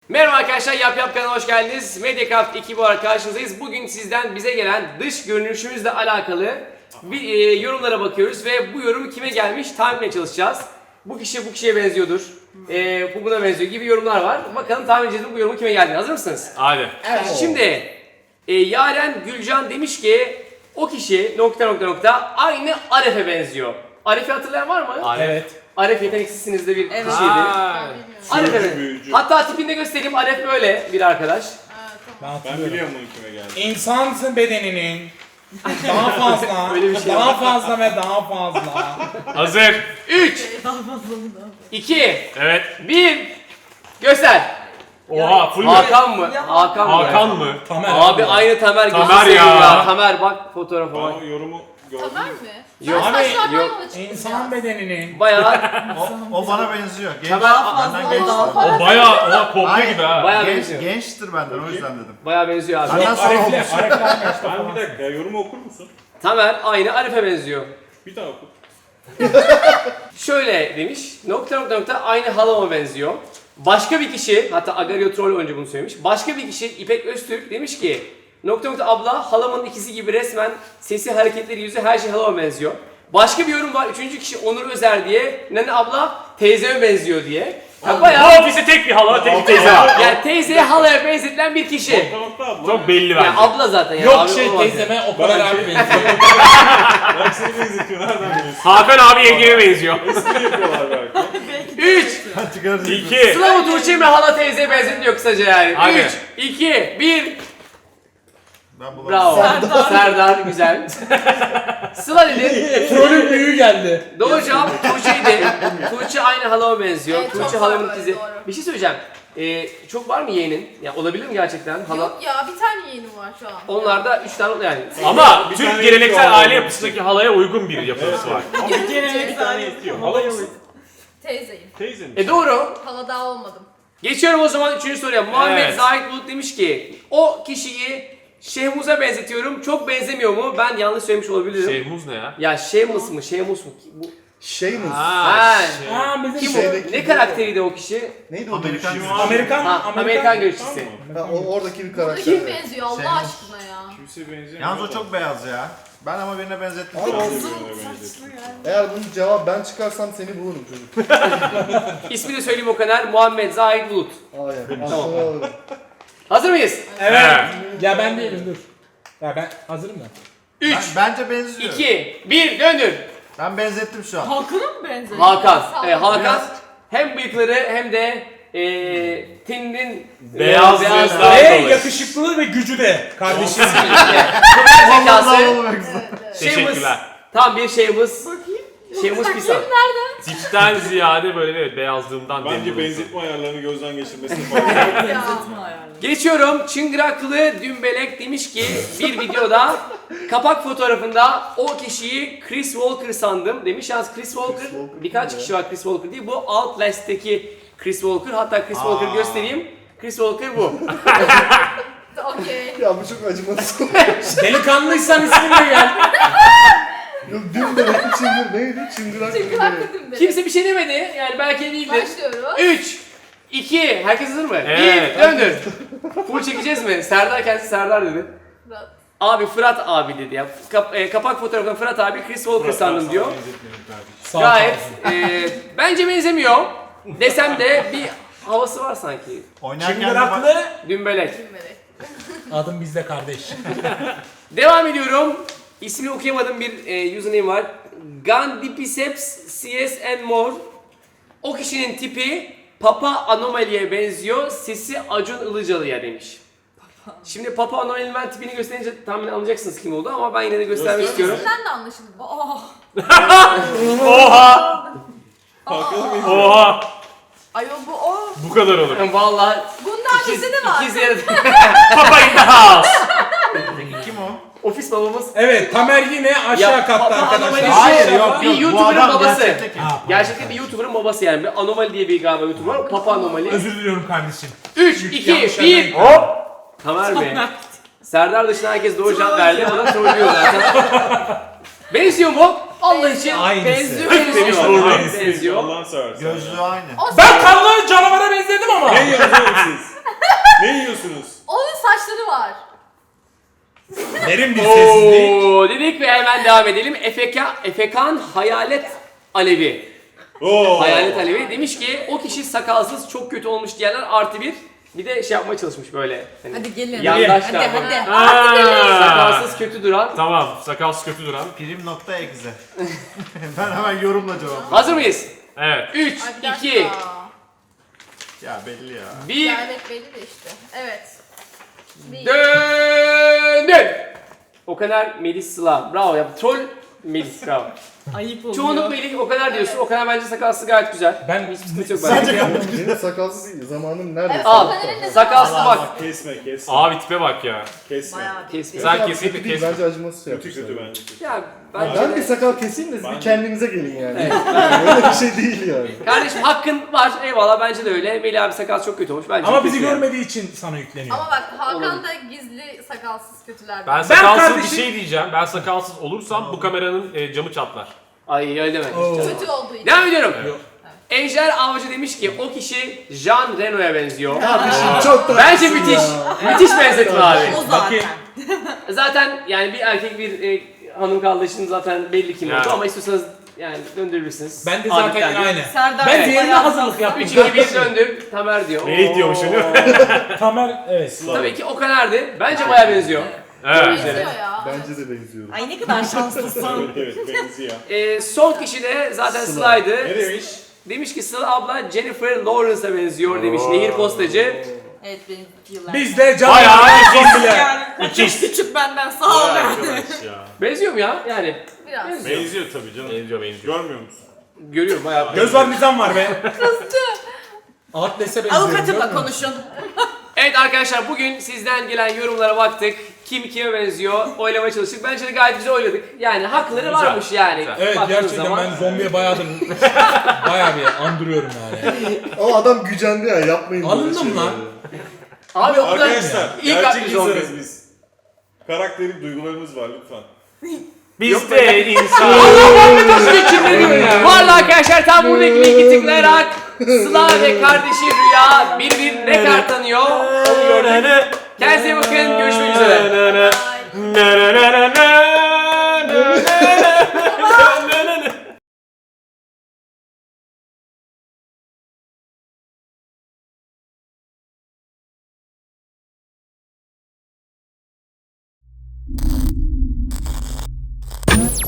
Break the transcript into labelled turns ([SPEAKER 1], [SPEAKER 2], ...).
[SPEAKER 1] Merhaba arkadaşlar, Yap Yap kanalına hoş geldiniz. Mediacraft ekibi olarak karşınızdayız. Bugün sizden bize gelen dış görünüşümüzle alakalı bir yorumlara bakıyoruz ve bu yorum kime gelmiş tahmin etmeye çalışacağız. Bu kişi bu kişiye benziyordur, bu buna benziyor gibi yorumlar var. Bakalım tahmin edeceğiz bu yorumun kime geldiğini. Hazır mısınız?
[SPEAKER 2] Hadi.
[SPEAKER 1] Evet. Şimdi Yaren Gülcan demiş ki o kişi ... aynı Aref'e benziyor. Aref'i hatırlayan var mı?
[SPEAKER 2] Evet.
[SPEAKER 1] Aref yeteneksizsiniz de bir kişiydi. Aref evet.
[SPEAKER 3] Büyücü.
[SPEAKER 1] Hatta tipini de göstereyim. Aref böyle bir arkadaş.
[SPEAKER 3] Ben biliyorum bunun kime geldi.
[SPEAKER 4] İnsan bedeninin daha fazla,
[SPEAKER 1] Öyle bir şey
[SPEAKER 4] daha fazla ve daha fazla.
[SPEAKER 2] Hazır.
[SPEAKER 1] 3 2
[SPEAKER 2] Evet.
[SPEAKER 1] 1 Göster.
[SPEAKER 2] Oha full mü?
[SPEAKER 1] Hakan mı? Hakan mı?
[SPEAKER 2] Hakan mı?
[SPEAKER 4] Tamer
[SPEAKER 1] Abi aynı Tamer
[SPEAKER 2] Tamer
[SPEAKER 1] gözü seveyim
[SPEAKER 2] ya.
[SPEAKER 1] Tamer bak fotoğrafa bak.
[SPEAKER 3] Ben o yorumu gördüm.
[SPEAKER 5] Tamer mi?
[SPEAKER 1] Yok.
[SPEAKER 4] Abi,
[SPEAKER 5] Saçlardan
[SPEAKER 1] yok.
[SPEAKER 5] yola çıkacağız.
[SPEAKER 4] İnsan bedeninin
[SPEAKER 1] Bayağı
[SPEAKER 6] O bana benziyor. Genç,
[SPEAKER 1] Tamer
[SPEAKER 6] benden gençtir.
[SPEAKER 2] O bayağı kopya gibi ha.
[SPEAKER 1] bayağı
[SPEAKER 6] Genç,
[SPEAKER 1] benziyor.
[SPEAKER 6] gençtir benden o yüzden dedim.
[SPEAKER 1] Bayağı benziyor abi.
[SPEAKER 6] Benden sonra
[SPEAKER 4] Aref'le,
[SPEAKER 6] olmuş.
[SPEAKER 4] Aref'le aynı işte
[SPEAKER 3] Ben
[SPEAKER 4] falan.
[SPEAKER 3] bir dakika yorumu okur musun?
[SPEAKER 1] Tamer aynı Arif'e benziyor.
[SPEAKER 3] Bir daha oku.
[SPEAKER 1] Şöyle demiş. Aynı halama benziyor. Başka bir kişi, hatta Agario Troll önce bunu söylemiş. Başka bir kişi İpek Öztürk demiş ki abla halamın ikizi gibi resmen sesi, hareketleri, yüzü her şey halama benziyor. Başka bir yorum var. Üçüncü kişi Onur Özer diye. Nene abla teyzeme benziyor diye. Ya bayağı
[SPEAKER 2] Bu ofiste tek bir hala, tek bir teyze var.
[SPEAKER 1] yani teyzeye halaya benzetilen bir kişi.
[SPEAKER 3] Nokta abla.
[SPEAKER 2] Çok belli
[SPEAKER 1] Yani
[SPEAKER 2] bence.
[SPEAKER 1] abla zaten ya.
[SPEAKER 4] Yok
[SPEAKER 1] abi
[SPEAKER 4] şey
[SPEAKER 1] olmaz
[SPEAKER 4] teyzeme o kadar abi benziyor.
[SPEAKER 3] Bak seni benzetiyor nereden biliyorsun?
[SPEAKER 2] Hakan abi yengeme benziyor.
[SPEAKER 3] Espri yapıyorlar belki.
[SPEAKER 1] 3
[SPEAKER 6] Çıkarıcı.
[SPEAKER 2] 2.
[SPEAKER 1] Sıla mı Tuğçe mi hala teyzeye benzetiyor kısaca yani.
[SPEAKER 2] Hadi.
[SPEAKER 1] 3 2 1
[SPEAKER 6] Ben bulamadım.
[SPEAKER 1] Bravo. Serdar güzel. Sıla dedi.
[SPEAKER 4] Trollün büyüğü geldi.
[SPEAKER 1] Doğru cevap Tuğçe'ydi. Tuğçe aynı halama benziyor.
[SPEAKER 5] Evet, çok
[SPEAKER 1] Tuğçe
[SPEAKER 5] var
[SPEAKER 1] halamın
[SPEAKER 5] böyle,
[SPEAKER 1] ikizi.
[SPEAKER 5] doğru.
[SPEAKER 1] Bir şey söyleyeceğim. Çok var mı yeğenin? Ya olabilir mi gerçekten? Hala.
[SPEAKER 5] Yok ya bir tane yeğenim var şu an.
[SPEAKER 1] Onlarda 3 tane yani.
[SPEAKER 2] Ama
[SPEAKER 3] Bir
[SPEAKER 2] Türk
[SPEAKER 3] tane
[SPEAKER 2] geleneksel
[SPEAKER 3] yetiyor
[SPEAKER 2] aile
[SPEAKER 3] abi.
[SPEAKER 2] yapısındaki halaya uygun bir yapısı var.
[SPEAKER 3] Ama bir tane yetiyor. Hala mısın?
[SPEAKER 5] Teyzeyim.
[SPEAKER 3] Teyze mi?
[SPEAKER 1] Doğru.
[SPEAKER 5] Hala daha olmadım.
[SPEAKER 1] Geçiyorum o zaman 3. soruya. Muhammed
[SPEAKER 2] Evet.
[SPEAKER 1] Zahit Bulut demiş ki o kişiyi Şehmuz'a benzetiyorum. Çok benzemiyor mu? Ben yanlış söylemiş olabilirim.
[SPEAKER 2] Şehmuz ne ya?
[SPEAKER 1] Ya Şehmus mu? Şehmus mu? Bu...
[SPEAKER 6] Şeymus.
[SPEAKER 1] Ha,
[SPEAKER 4] Aa bizim
[SPEAKER 1] Kim
[SPEAKER 4] şey.
[SPEAKER 1] o? Ne karakteriydi o kişi?
[SPEAKER 6] Neydi o
[SPEAKER 3] Amerikan
[SPEAKER 6] dövüşçü?
[SPEAKER 3] Amerikan.
[SPEAKER 4] Amerikan,
[SPEAKER 1] Ha, Amerikan görüşçüsü.
[SPEAKER 6] Ha, oradaki bir
[SPEAKER 5] Burada
[SPEAKER 6] karakter.
[SPEAKER 5] kim benziyor Allah
[SPEAKER 6] Şeymus.
[SPEAKER 5] aşkına ya?
[SPEAKER 3] Kimse benzemiyor.
[SPEAKER 6] Yalnız o çok beyaz ya. Ben ama birine benzettim.
[SPEAKER 3] Ben de
[SPEAKER 6] Abi,
[SPEAKER 3] birbirine benzettim.
[SPEAKER 7] Eğer bunun cevabı ben çıkarsam seni bulurum çocuk.
[SPEAKER 1] İsmini de söyleyeyim o kadar. Muhammed Zahid Bulut.
[SPEAKER 7] Hayır. Aslında alırım.
[SPEAKER 1] Hazır mıyız?
[SPEAKER 4] Evet. Ya ben değilim dur. Ya ben hazırım da.
[SPEAKER 1] 3,
[SPEAKER 6] Bence benziyor.
[SPEAKER 1] 2, 1 döndür.
[SPEAKER 6] Ben benzettim şu an.
[SPEAKER 5] Hakan'a mı benziyor?
[SPEAKER 1] Hakan.
[SPEAKER 5] Sağ ol.
[SPEAKER 1] Hakan
[SPEAKER 6] Biraz-
[SPEAKER 1] hem bıyıkları hem de teninin
[SPEAKER 2] Beyaz
[SPEAKER 1] beyazlığı.
[SPEAKER 2] Daha
[SPEAKER 4] Ve
[SPEAKER 2] dolayı.
[SPEAKER 4] yakışıklılığı ve gücü de kardeşim.
[SPEAKER 1] Süper zekası.
[SPEAKER 2] Teşekkürler.
[SPEAKER 1] Tam bir şeyimiz. Şeyimiz Pisan.
[SPEAKER 2] Tipten ziyade böyle evet beyazlığımdan
[SPEAKER 3] Bence
[SPEAKER 2] memnunum.
[SPEAKER 3] benzetme ayarlarını gözden geçirmesini falan.
[SPEAKER 5] Ya.
[SPEAKER 1] Geçiyorum. Çıngıraklı Dümbelek demiş ki bir videoda kapak fotoğrafında o kişiyi Chris Walker sandım demiş. Yalnız Chris Walker birkaç kişi var Chris Walker değil. Bu Outlast'teki Chris Walker. Hatta Chris Walker göstereyim. Chris Walker bu.
[SPEAKER 5] Okey.
[SPEAKER 7] Ya bu çok acımasız.
[SPEAKER 4] Delikanlıysan isminle gel.
[SPEAKER 7] Yok dün de rakı çıngır neydi? Çıngırak mıydı?
[SPEAKER 5] Çıngırak dedim beni.
[SPEAKER 1] Kimse bir şey demedi. Yani belki değildir.
[SPEAKER 5] Başlıyoruz.
[SPEAKER 1] 3 2 Herkes hazır mı?
[SPEAKER 2] Evet.
[SPEAKER 1] 1 döndür. Full çekeceğiz mi? Serdar kendisi Serdar dedi. Abi Fırat abi dedi ya. Kapak fotoğrafında Fırat abi Chris Walker sandım diyor.
[SPEAKER 4] Sağ ol
[SPEAKER 1] Gayet
[SPEAKER 4] kardeşim.
[SPEAKER 1] bence benzemiyor. Desem de bir havası var sanki.
[SPEAKER 6] Oynarken de
[SPEAKER 4] Çıngıraklı.
[SPEAKER 1] Dümbelek.
[SPEAKER 5] Bilmedi.
[SPEAKER 4] Adım bizde kardeş.
[SPEAKER 1] Devam ediyorum. İsmini okuyamadığım bir username var. Gandipiceps CS and more. O kişinin tipi Papa Anomali'ye benziyor. Sesi Acun Ilıcalı'ya demiş. Şimdi Papa Anomali'nin ben tipini gösterince tahmin anlayacaksınız kim oldu ama ben yine de göstermek istiyorum.
[SPEAKER 5] Sesinden de anlaşıldı. Oh.
[SPEAKER 2] Oha! Oha!
[SPEAKER 5] Ayol bu o.
[SPEAKER 2] Bu kadar olur.
[SPEAKER 1] Vallahi
[SPEAKER 5] Bundan ikisi de var.
[SPEAKER 1] ikiz yarı.
[SPEAKER 2] Papa in the house.
[SPEAKER 6] kim o?
[SPEAKER 1] Ofis babamız.
[SPEAKER 4] Evet Tamer yine aşağı
[SPEAKER 1] Ya,
[SPEAKER 4] katta
[SPEAKER 1] Papa
[SPEAKER 4] arkadaşlar.
[SPEAKER 1] Anomali
[SPEAKER 6] Hayır,
[SPEAKER 1] şey,
[SPEAKER 6] yok,
[SPEAKER 1] bir
[SPEAKER 6] yok. Bu
[SPEAKER 1] YouTuber'ın
[SPEAKER 6] adam
[SPEAKER 1] babası.
[SPEAKER 6] gerçekte kim?
[SPEAKER 1] Gerçekten bir YouTuber'ın babası yani. Bir Anomali diye bir galiba YouTuber var. Papa Anomali.
[SPEAKER 4] Özür diliyorum kardeşim.
[SPEAKER 1] 3, 2,
[SPEAKER 4] yanlış
[SPEAKER 1] 1.
[SPEAKER 2] Hop!
[SPEAKER 1] Tamer Bey. Serdar dışında herkes doğru cevap verdi. O da trollüyor zaten. Benziyor mu? Allah için
[SPEAKER 4] Aynısı.
[SPEAKER 1] benziyor.
[SPEAKER 2] Demiş
[SPEAKER 1] Benziyor.
[SPEAKER 2] doğru.
[SPEAKER 1] Benziyor.
[SPEAKER 3] Allah'ın seversen.
[SPEAKER 6] Gözlüğü aynı.
[SPEAKER 4] Ben kanlı canavara benzedim ama.
[SPEAKER 3] Ne yazıyorsunuz siz? diyorsunuz?
[SPEAKER 5] Onun saçları var.
[SPEAKER 4] Derin bir sessizlik.
[SPEAKER 1] Oo dedik ve hemen devam edelim. Efekan Hayalet Alevi.
[SPEAKER 3] Oo.
[SPEAKER 1] Hayalet Alevi demiş ki o kişi sakalsız çok kötü olmuş diyenler +1. Bir de şey yapmaya çalışmış böyle. Hani
[SPEAKER 5] Hadi gelin.
[SPEAKER 1] yandaşlar.
[SPEAKER 5] Hadi.
[SPEAKER 2] Ha.
[SPEAKER 1] Sakalsız kötü duran.
[SPEAKER 2] Tamam, sakalsız kötü duran.
[SPEAKER 6] Prim.exe. Ben hemen yorumla cevap.
[SPEAKER 1] Hazır mıyız?
[SPEAKER 2] Evet.
[SPEAKER 1] 3,
[SPEAKER 5] Ay, bir dakika.
[SPEAKER 1] 2,
[SPEAKER 6] Ya belli ya.
[SPEAKER 1] 1,
[SPEAKER 5] Ya evet belli de işte. Evet. Bir.
[SPEAKER 1] döndün. O kadar Melis Sıla. Bravo ya. Troll Melis bravo.
[SPEAKER 5] Ayıp oluyor.
[SPEAKER 1] Çoğunluk Melis o kadar diyorsun. O kadar bence sakalsız gayet güzel.
[SPEAKER 4] Ben
[SPEAKER 1] Hiç sıkıntı yok
[SPEAKER 6] Sence
[SPEAKER 1] bence.
[SPEAKER 7] Benim sakalsız değil. Zamanım nerede?
[SPEAKER 5] Evet,
[SPEAKER 1] Al.
[SPEAKER 5] Sokaner'in de
[SPEAKER 1] Sakalsız bak.
[SPEAKER 3] Kesme.
[SPEAKER 2] Abi tipe bak ya.
[SPEAKER 3] Kesme.
[SPEAKER 5] bayağı bir.
[SPEAKER 1] Kesme.
[SPEAKER 2] Sen
[SPEAKER 7] Ya,
[SPEAKER 2] kesinlikle
[SPEAKER 7] kötü değil,
[SPEAKER 2] kes.
[SPEAKER 7] bence acımasız şey
[SPEAKER 3] Kötü
[SPEAKER 7] yapmışlar.
[SPEAKER 3] bence.
[SPEAKER 1] Ya
[SPEAKER 7] Ben
[SPEAKER 1] bence
[SPEAKER 7] bir
[SPEAKER 1] de.
[SPEAKER 7] sakal keseyim de siz
[SPEAKER 3] Ben-
[SPEAKER 7] bir kendinize gelin yani.
[SPEAKER 1] Evet.
[SPEAKER 7] Öyle bir şey değil yani.
[SPEAKER 1] Kardeşim hakkın var. Eyvallah bence de öyle. Melih abi sakal çok kötü olmuş. Bence
[SPEAKER 4] Ama
[SPEAKER 1] kötü
[SPEAKER 4] bizi
[SPEAKER 1] yani.
[SPEAKER 4] görmediği için sana yükleniyor.
[SPEAKER 5] Ama bak Hakan
[SPEAKER 1] Olabilir.
[SPEAKER 5] da gizli sakalsız kötüler.
[SPEAKER 2] Ben sakalsız bir
[SPEAKER 4] kardeşim-
[SPEAKER 2] şey diyeceğim. Ben sakalsız olursam bu kameranın camı çatlar.
[SPEAKER 1] Ay öyle deme.
[SPEAKER 4] Oo.
[SPEAKER 5] Kötü olduğu için.
[SPEAKER 1] Devam ediyorum.
[SPEAKER 2] Evet.
[SPEAKER 1] Ejder Avcı demiş ki o kişi Jean Reno'ya benziyor.
[SPEAKER 7] Çok da
[SPEAKER 1] Bence müthiş. Müthiş benzetme abi.
[SPEAKER 5] O
[SPEAKER 4] Bakayım.
[SPEAKER 1] Zaten yani bir erkek bir hanım kardeşin zaten belli kim
[SPEAKER 2] Ya.
[SPEAKER 1] oldu ama istiyorsanız yani döndürürsünüz.
[SPEAKER 4] Ben de zaten
[SPEAKER 1] Adettendir.
[SPEAKER 4] aynı.
[SPEAKER 5] Serdar
[SPEAKER 4] Ben
[SPEAKER 5] Bey
[SPEAKER 4] diğerine
[SPEAKER 5] bayağı-
[SPEAKER 4] hazırlık yaptım.
[SPEAKER 1] 3 2 1 döndür. Tamer diyor.
[SPEAKER 2] Melih diyormuş,
[SPEAKER 1] Oo.
[SPEAKER 2] değil
[SPEAKER 4] Tamer evet.
[SPEAKER 1] Tabii ki o kadardı. Bence baya benziyor.
[SPEAKER 2] Evet.
[SPEAKER 5] Benziyor ya.
[SPEAKER 7] Bence de benziyorum.
[SPEAKER 5] Ay ne kadar şanslısın.
[SPEAKER 3] Evet benziyor.
[SPEAKER 1] Son kişi de zaten
[SPEAKER 7] Sıla.
[SPEAKER 1] Sıla'ydı.
[SPEAKER 3] Ne demiş?
[SPEAKER 1] Demiş ki Sıla abla Jennifer Lawrence'a benziyor demiş. Nehir postacı.
[SPEAKER 5] Evet benim yıllar.
[SPEAKER 4] Biz de can
[SPEAKER 2] Bayağı
[SPEAKER 4] ikiz bile.
[SPEAKER 5] yani küçük benden sağ ol.
[SPEAKER 2] Vay arkadaş ya.
[SPEAKER 1] Benziyor mu ya? Yani
[SPEAKER 5] Biraz.
[SPEAKER 3] Benziyor tabii canım.
[SPEAKER 2] Benziyor.
[SPEAKER 3] Görmüyor musun?
[SPEAKER 1] görüyorum bayağı.
[SPEAKER 4] Göz var nizam var be. Atlas'e benziyorum.
[SPEAKER 5] Avukatımla konuşun.
[SPEAKER 1] Evet arkadaşlar bugün sizden gelen yorumlara baktık. Kim kime benziyor oylamaya çalıştık. Bence de gayet güzel oyladık. Yani hakları
[SPEAKER 2] Güzel,
[SPEAKER 1] varmış yani.
[SPEAKER 2] güzel.
[SPEAKER 4] Evet
[SPEAKER 1] Baktığınız
[SPEAKER 4] gerçekten
[SPEAKER 1] zaman.
[SPEAKER 4] ben zombiye bayağıdır bayağı bir andırıyorum yani.
[SPEAKER 7] Ama adam gücendi ya yapmayın. böyle
[SPEAKER 4] Alındım
[SPEAKER 7] şeyleri.
[SPEAKER 4] lan.
[SPEAKER 1] Abi o kadar
[SPEAKER 3] Arkadaşlar
[SPEAKER 1] iyi
[SPEAKER 3] gerçek
[SPEAKER 1] kalpli zombi.
[SPEAKER 3] insanız biz. Karakterin duygularımız var lütfen.
[SPEAKER 2] Biz de insan.
[SPEAKER 1] Valla arkadaşlar tam buradaki linki tıklayarak Sıla ve kardeşi Rüya birbirine kart tanıyor. Kendinize iyi bakın. Görüşmek üzere.
[SPEAKER 5] Ay.